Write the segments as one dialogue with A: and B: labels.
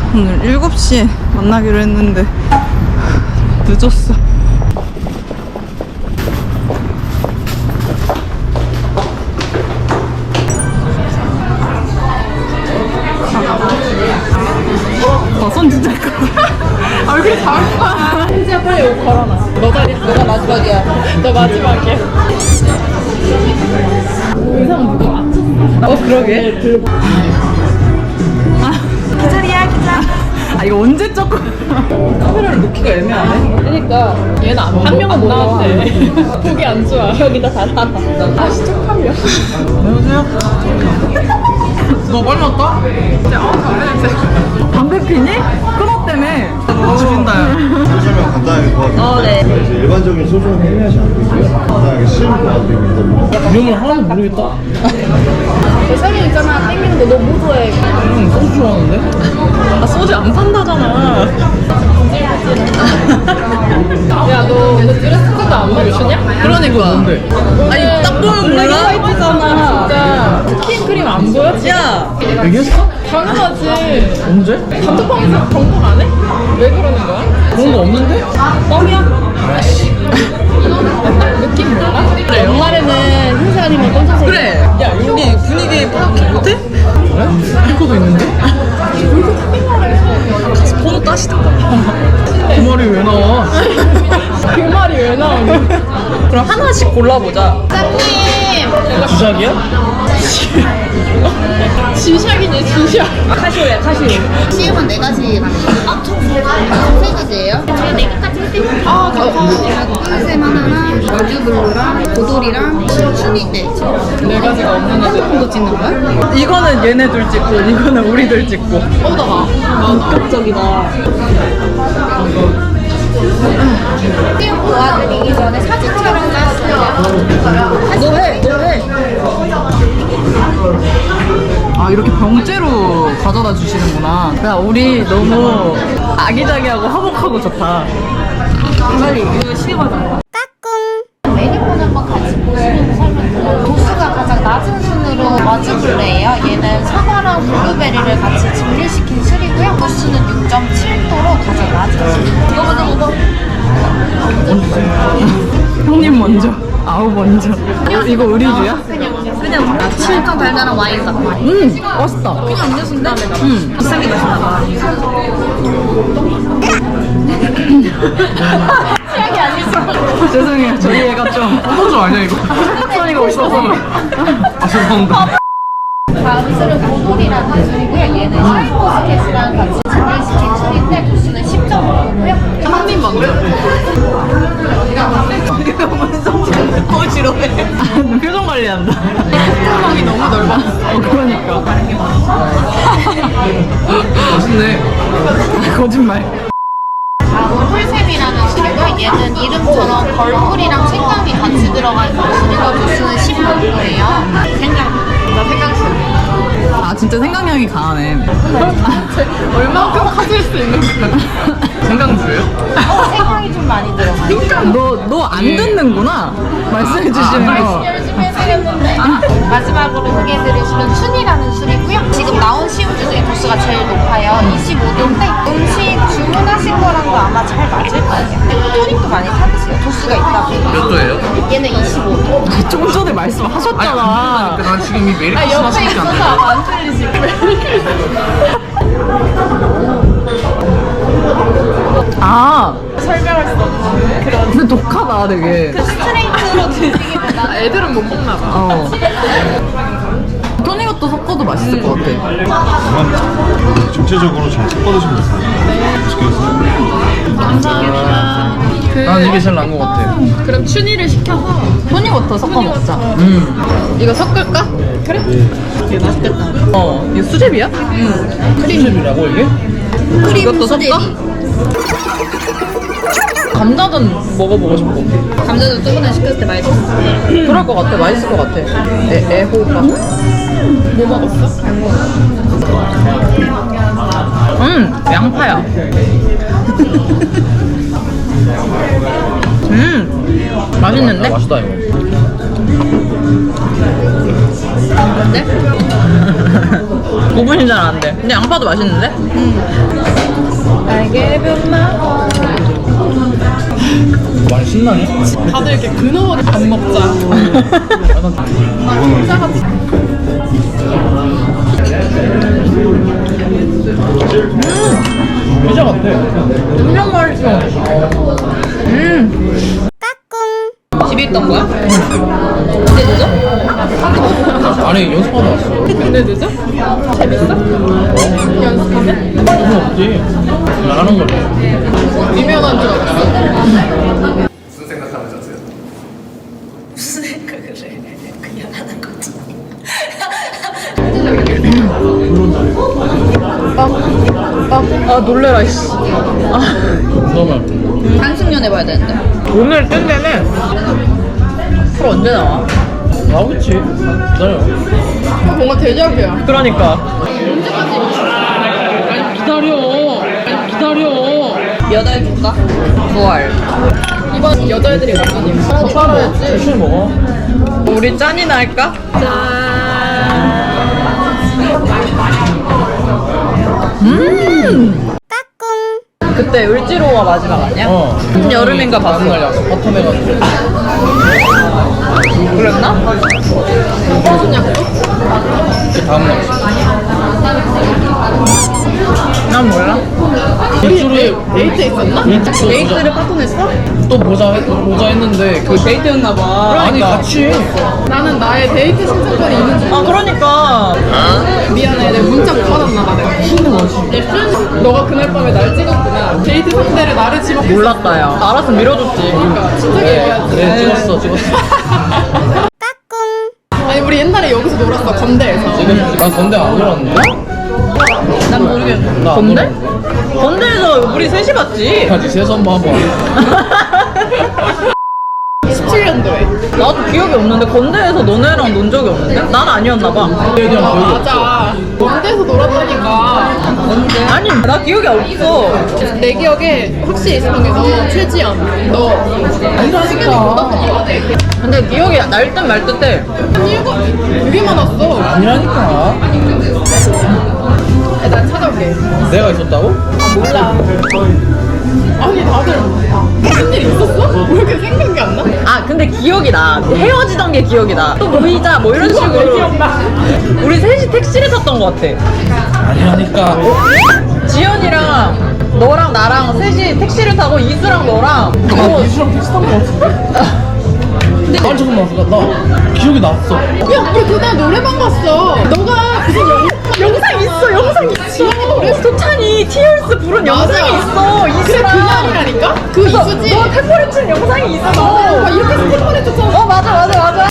A: 오늘 7시에 만나기로 했는데 늦었어. 손 진짜 커. 아, 왜 그렇게 작아? 진짜 빨리 옷 걸어놔. 너가 마지막이야. 너 마지막이야. 의상 누가 맞췄어? 그러게. 기다리야, 기다려. 아, 이거 언제 조금. 카메라를 놓기가 애매하네. 그러니까. 얘는 한 명은 못 나왔대. 보기 안 좋아. 여기다 다 닫아. 아, 시청함이야. 안녕하세요. 너 빨리 왔다? 담배 피니? 끊었다며. 죽인다.
B: 설명 간단하게 도와드릴게요.
A: 네.
B: 이제 일반적인 소주는 판매하지 않고 있고요. 간단하게 시음 도와드리고 있거든요.
C: 이름을 하나도 모르겠다.
A: 설명 있잖아. 땡기는 거 너무 좋아해.
C: 소주 좋아하는데?
A: 아, 소주 안 판다잖아. 야, 너 드레스 코드 안 맞추냐? 그러니까.
C: 뭔데?
A: 아니, 딱 보면 몰라? 화이트잖아. 진짜. 스킨 크림 안 보여? 야,
C: 얘기했어?
A: 당연하지.
C: 언제?
A: 단톡방에서 정복 안 해? 왜 그러는 거야?
C: 그런 거 없는데?
A: 뻥이야? 느낌 몰라? 그래, 연말에는 흰색 아니면 검정색. 그래. 야, 우리 분위기 파악 못해?
C: 그래? 스피커도 있는데?
A: 가서 번호 따시던가.
C: 그 말이 왜 나와?
A: 그 말이 왜 나오니? 그럼 하나씩 골라보자.
C: 주작이야?
A: 지샥이네, 지샥. 카시오야, 카시오.
D: CM은 4가지 만들어요. 총 3가지예요. 저희 4개까지 해드릴게요.
A: 아, 감사합니다.
D: 쌤 하나랑 월드블루랑 고돌이랑 춘인데
A: 4가지가 없는 애들.
D: 핸드폰도 찍는 거야?
A: 이거는 얘네들 찍고, 이거는 우리들 찍고. 본격적이다.
D: CM 도와드리기 전에 사진 촬영 짰어요.
A: 너 해. 아, 이렇게 병째로 가져다 주시는구나. 야, 우리 너무 아기자기하고 화목하고 좋다. 빨리 이거 시험하자.
D: 메뉴판 한번 같이 보시면 설명. 도수가 가장 낮은 순으로 머즈블레예요. 얘는 사과랑 블루베리를 같이 증류시킨 술이고요. 도수는 6.7도로 가장 낮은 술. 이거 먼저 먹어.
A: 형님 먼저. 아우 먼저. 이거 의리주야?
D: 그냥 엄청 달달한 와인 같아.
A: 맛있다. 그냥 음료수인데? 비싸게 마시나 봐.
D: 취향이 아니죠?
A: 죄송해요. 저희 애가 좀
C: 소주 아니야 이거?
A: 소리가 없어서.
C: 아 죄송합니다.
D: 다음 술은 고돌이라는 술이고요. 얘는 샤인머스켓이랑 같이 증류시킨 술인데 도수는 10.5도고요.
A: 한입 먼저. 지러해. 표정 관리한다. 콧구멍이 너무 넓어. 그러니까.
C: 맛있네.
A: 거짓말.
D: 다음은 홀샘이라는 술이고요. 얘는 이름처럼 걸풀이랑 생강이 같이 들어가 있는 술이고 도수는 16도예요. 생강술.
A: 아, 진짜 생강향이 강하네. 얼마큼 가질 수 있는 거야?
C: 생강주예요?
D: 생강이 좀 많이 들어가요.
A: 너 안 듣는구나. 말씀해 주시는 거.
D: 열심히 해드렸는데 마지막으로 소개해드릴 술은 춘이라는 술이고요. 지금 나온 시음주 중에 도수가 제일 높아요. 25도인데 음식 주문하신 거랑도 아마 잘 맞을 거예요. 토닉도 많이 타드세요. 도수가 있다고.
C: 몇 도예요?
D: 얘는 25도.
A: 조금 전에 말씀하셨잖아.
C: 난 지금 이 메리크리스마스
D: 옆에
C: 밖에 안
D: 있어서
C: 돼.
D: 아마 안 틀리지.
A: 아,
D: 설명할 수 없는 그런
A: 근데 독하다, 되게.
D: 스트레이트로 드시게 된다.
A: 애들은 못 먹나 봐. 토닉도 섞어도 맛있을 것 같아.
B: 다만 전체적으로 잘 섞어드시면 돼요. 맛있게 드세요.
A: 감사합니다.
C: 난 이게 제일 나은 것 같아.
A: 그럼 춘이를 시켜서 토닉워터 섞어 먹자. 이거 섞을까? 그래. 이게 맛있겠다. 이거 수제비야?
C: 크림이라고 이게?
A: 이것도 섞어? 감자전 먹어보고 싶어.
D: 감자도 저번에 시켰을 때 맛있었어.
A: 그럴 것 같아. 맛있을 것 같아. 애호박. 뭐 먹었어? 양파야. 맛있는데?
C: 맛있다 이거.
A: 근데? 구분이 잘 안 돼. 근데 양파도 맛있는데?
C: 많이 신나네.
A: 다들 이렇게 근어하게 밥 먹자.
C: 피자 같아.
A: 엄청 맛있어. 집에 있던 거야? 근데 늦어?
C: 아니 연습하다 왔어.
A: 근데 늦어? 재밌어? 연습하면?
C: 그건 없지. 나가는 거래.
A: 미면한 줄 알았어. 아 놀래라 씨.
C: 너무
A: 한승연 해봐야 되는데. 오늘 뜬 데는 프로 언제 나와?
C: 나오겠지. 기다려.
A: 뭔가 대작이야. 그러니까. 아니 기다려. 여자애 줄까? 9월. 이번 여자애들이 많이 빨아야지.
C: 천천히 먹어.
A: 우리 짠이나 할까? 짠. 그때 을지로가 마지막 아니야?
C: 어.
A: 여름인가 봤어.
C: 다음날 약속 버텀해가지고.
A: 그랬나? 무슨 약속?
C: 그 다음날.
A: 난 몰라.
C: 일주일에
A: 데이트 있었나? 데이트를 파토냈어?
C: 또 보자 했는데 그
A: 데이트였나봐.
C: 아니 같이.
A: 나는 나의 데이트 신청권이 있는 줄. 아 그러니까. 미안해, 내가 문자 못 받았나 봐. 내가. 예쁜? 너가 그날 밤에 날 찍었구나. 데이트 상대를 나를 집었겠어. 몰랐다 야. 알았으면 밀어줬지. 그러니까 진작에 얘기하지.
C: 그래 찍었어.
A: 아니 우리 옛날에 여기서 놀았어, 건대에서.
C: 지금 난 건대 안 놀았는데?
A: 난 모르겠어.
C: 나안
A: 건대?
C: 놀았는데?
A: 건대에서 우리 셋이 봤지.
C: 같이 세서 한번 하고.
A: 17년도에. 나도 기억이 없는데 건대에서 너네랑 논 적이 없는데? 난 아니었나봐. 맞아. 건대에서 놀았다니까. 건대? 아니 나 기억이 없어. 내 기억에 확실히 있었던 게 너, 최지연, 너. 아니라니까. 근데 기억이 날 듯 말 듯해. 되게 많았어.
C: 아니라니까.
A: 난 찾아올게.
C: 내가 있었다고?
A: 몰라. 아니 다들 무슨 일 있었어? 왜 이렇게 생각이 안 나? 아 근데 기억이 나. 헤어지던 게 기억이 나. 또 모이자 뭐 이런 식으로. 우리 셋이 택시를 탔던 것 같아.
C: 아니라니까.
A: 지연이랑 너랑 나랑 셋이 택시를 타고 이수랑 너랑
C: 이수랑 택시 탄거 같은데? 근데 아니 잠깐만 나 기억이 났어.
A: 야 우리 그날 노래방 갔어. 너가 무슨 영상 있어. 영상 있어. 소찬이 티얼스 부른 영상이 있어. 이수랑. 그래 그날이라니까? 그 이수지? 너 템포를 친 영상이 있어. 막 이렇게 템포를 쳤잖아. 맞아.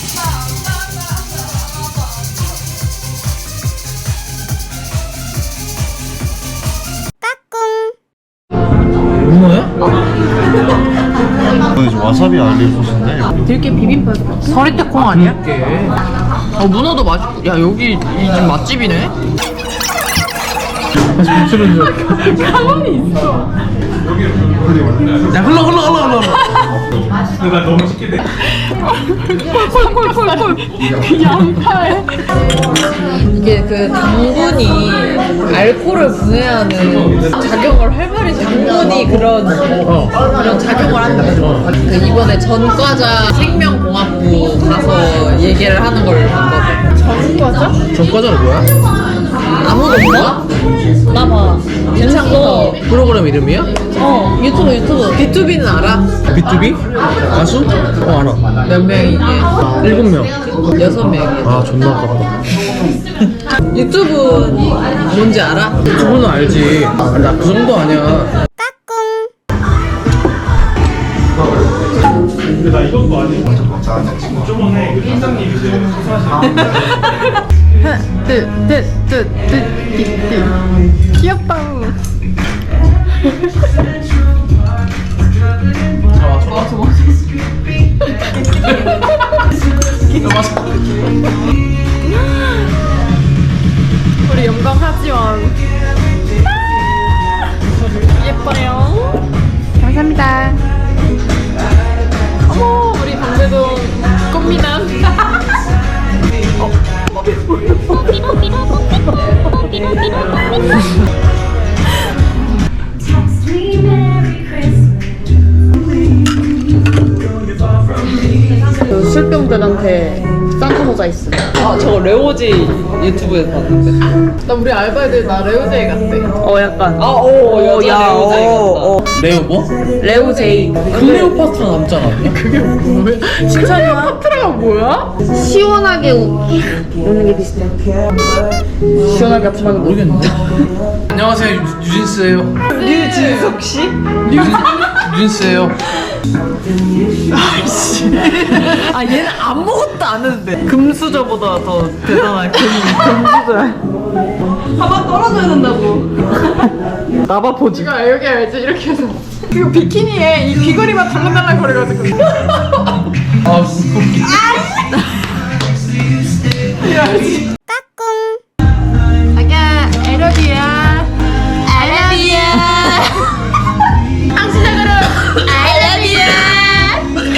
C: 문어야?
B: 이거 이제 와사비 알릴 소스인데
A: 들깨 비빔밥. 서리태콩 아니야? 문어도 맛있고. 야 여기 이 집 맛집이네.
C: 다시 비추는 줄.
A: 가만히 있어.
C: 야 흘러.
E: 내가 너무 쉽게 돼.
A: 콜. 그 양파에. 이게 그 당분이 알코올을 분해하는 작용을 활발히 당분이 그런 작용을 한다. 그 이번에 전과자 생명공학부 가서 얘기를 하는 걸 봤거든. 전과자?
C: 전과자는 뭐야?
A: 아무도 몰라? 나 봐. 재밌어.
C: 프로그램 이름이야?
A: 유튜브. B2B는 알아?
C: B2B? 가수? 알아.
A: 몇 명이게?
C: 7명.
A: 6명이.
C: 아 존나 아깝다.
A: 유튜브 뭔지 알아?
C: 유튜브는 알지. 나 그 정도 아니야.
E: 근데 나 이것도 아니고 저번에 그 팀장님이
A: 귀엽다. 우리 영광 하지원. 예뻐요. 감사합니다. 어머, 우리 방배동 꽃미남.
D: 술병들한테 산타 모자 있음.
A: 아 저거 레오지 유튜브에서 봤는데.
C: 나 우리 알바애들 나 레오제이 같대.
A: 약간. 여자 레오제이 같다.
C: 레오 뭐?
A: 레오제이.
C: 클레오파트라 남자 아니야? 그게 뭐야? 클레오파트라가 뭐야?
D: 시원하게 우는 게 비슷해. 시원하게 합치면
C: 모르겠는데. 안녕하세요 유진스예요.
A: 류진석 씨?
C: 유진스예요.
A: 아 얘는 아무것도 안 해도 돼. 금수저보다 더 대단한 금수저야. 한번 떨어져야 된다고. 나봐 포즈.
C: 야 여기 알지? 이렇게 해서 그 비키니에 이 귀걸이만 달랑달랑 거려가지고. 아 웃기.
D: 자기야, 에러비야. 에러비야. 당신적으로 I love you.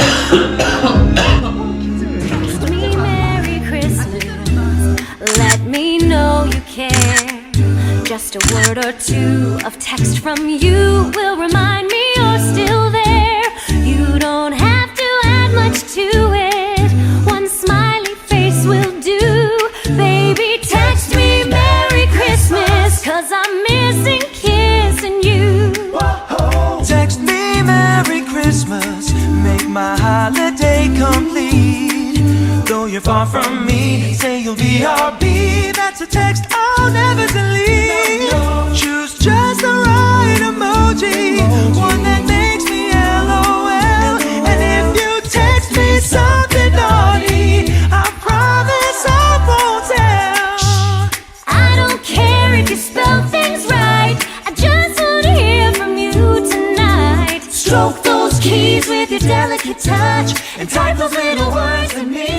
F: Text me Merry Christmas. Let me know you care. Just a word or two of text from you will remind me you're still there. You don't have to add much to it. One smiley face will do. Baby, text me Merry Christmas, 'cause I'm missing kissing you.
G: Text me Merry Christmas, make my holiday complete. Though you're far from me, say you'll be RB. That's a text I'll never delete. Choose just the right emoji, one that makes me LOL. And if you text me something naughty, I promise I won't tell.
F: I don't care if you spell things right. I just want to hear from you tonight.
G: Stroke those keys with your delicate touch and type those little words to me.